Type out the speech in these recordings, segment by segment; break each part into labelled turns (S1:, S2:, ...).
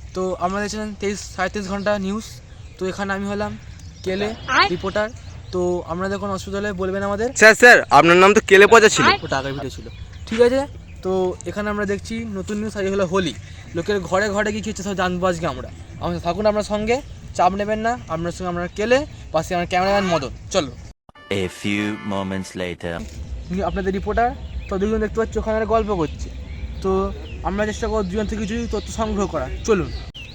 S1: তো আমরা দেখছিলাম 23-23.5 ঘন্টা নিউজ। তো এখানে আমি হলাম কেলে রিপোর্টার। তো আপনাদের কোনো অসুবিধা হলে বলবেন আমাদের।
S2: স্যার আপনার নাম তো কেলে পচা ছিল।
S1: ওটা আগের ভিডিও ছিল, ঠিক আছে। তো এখানে আমরা দেখছি নতুন নিউজ আজ হলো হোলি। লোকের ঘরে ঘরে গিয়ে কী হচ্ছে সব জানবো আজকে আমরা। আমাদের থাকুন আপনার সঙ্গে, চাপ নেবেন না। আপনার সঙ্গে আমরা কেলে, পাশে আমার ক্যামেরাম্যান মদন। চলো।
S3: A few moments later.
S1: আপনাদের রিপোর্টার তো দুজন দেখতে পাচ্ছি ওখানে গল্প করছে। তো আমরা চেষ্টা করব দুজন থেকে কিছু তথ্য সংগ্রহ করা। চলুন।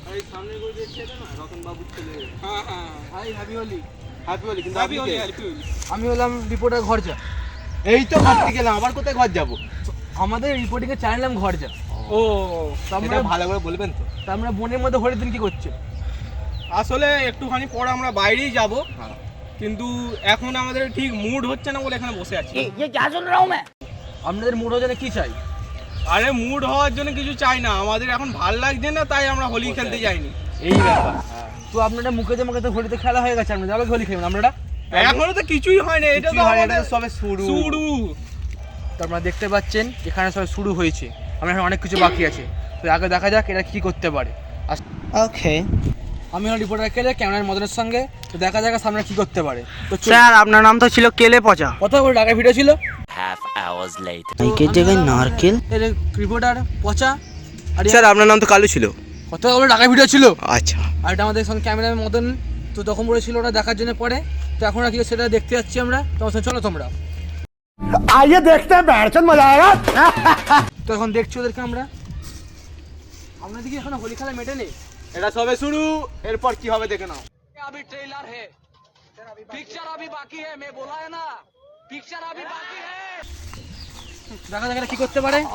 S1: আমি হলাম রিপোর্টার ঘরজা।
S2: এই তো ঘর থেকে গেলাম, আবার কোথায় ঘর যাবো?
S1: আমাদের রিপোর্টিং এর চ্যানেল নাম ঘরজা।
S2: ও
S1: আমরা
S2: ভালো করে বলবেন তো।
S1: তা আমরা বোনের মধ্যে হোলির দিন কি করছে?
S4: আসলে একটুখানি পরে আমরা বাইরেই যাব, কিন্তু এখন আমাদের ঠিক মুড হচ্ছে না বলে এখানে বসে আছি।
S1: আপনাদের মুড হচ্ছে না, কি চাই?
S4: আরে মুড হওয়ার জন্য কিছু চাই না, আমাদের এখন ভাল লাগছে না, তাই আমরা হোলি খেলতে যাইনি।
S1: এই ব্যাপার। তো আপনারা মুখে মুখে হোলিতে খেলা হয়ে গেছে, আপনাদের আবার হোলি খেলবেন। আপনারা
S4: এখনো তো কিছুই হয়নি, এটা তো আমাদের
S2: সবে শুরু।
S1: তো আপনারা দেখতে পাচ্ছেন এখানে সব শুরু হয়েছে, আমরা এখন অনেক কিছু বাকি আছে। তো আগে দেখা যাক এটা কি করতে পারে।
S5: ওকে
S1: আমি হলাম রিপোর্টার কেলে ক্যামেরার মদনের সঙ্গে। তো দেখা যাক সামনে কি করতে পারে। তো
S5: স্যার আপনার নাম তো ছিল কেলে পচা,
S1: কত বড় টাকা ভিডিও ছিল?
S3: Half hours later.
S5: নাইকের জায়গায় নারকেল।
S1: এর রিপোর্টার পচা। আর
S2: স্যার আপনার নাম তো কালু ছিল।
S1: কত বড় টাকা ভিডিও ছিল?
S2: আচ্ছা,
S1: আর এটা আমাদের সঙ্গে ক্যামেরার মদন। তো তখন বলেছিল ওটা দেখার জন্য পরে। তো এখন আর কি সেটা দেখতে যাচ্ছি আমরা। তোমার সঙ্গে চলো তোমরা।
S6: आइए देखते हैं बैठचंद मजा आएगा।
S1: তো এখন দেখছি ওদেরকে আমরা। আপনাদের কি এখন হোলি খেলা মেটেনি?
S2: এটা সবে শুরু, এরপর কি হবে দেখে নাও।
S1: अभी ट्रेलर है, पिक्चर अभी बाकी है, मैं बोला है ना, पिक्चर अभी बाकी है। দেখা যাক কি করতে পারে।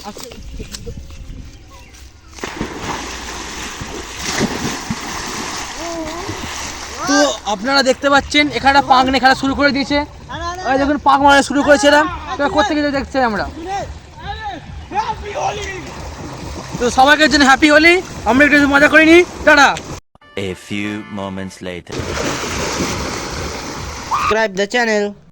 S1: তো আপনারা দেখতে পাচ্ছেন এখানে পাক নিয়ে খেলা শুরু করে দিয়েছে। এই দেখুন পাক মারা শুরু করেছে এরা। তো কোথা থেকে দেখছি আমরা। তো সবাইকে জন্য হ্যাপি হোলি। আমরা একটু মজা করিনি। Tata.
S3: A few moments later.
S5: Subscribe the channel.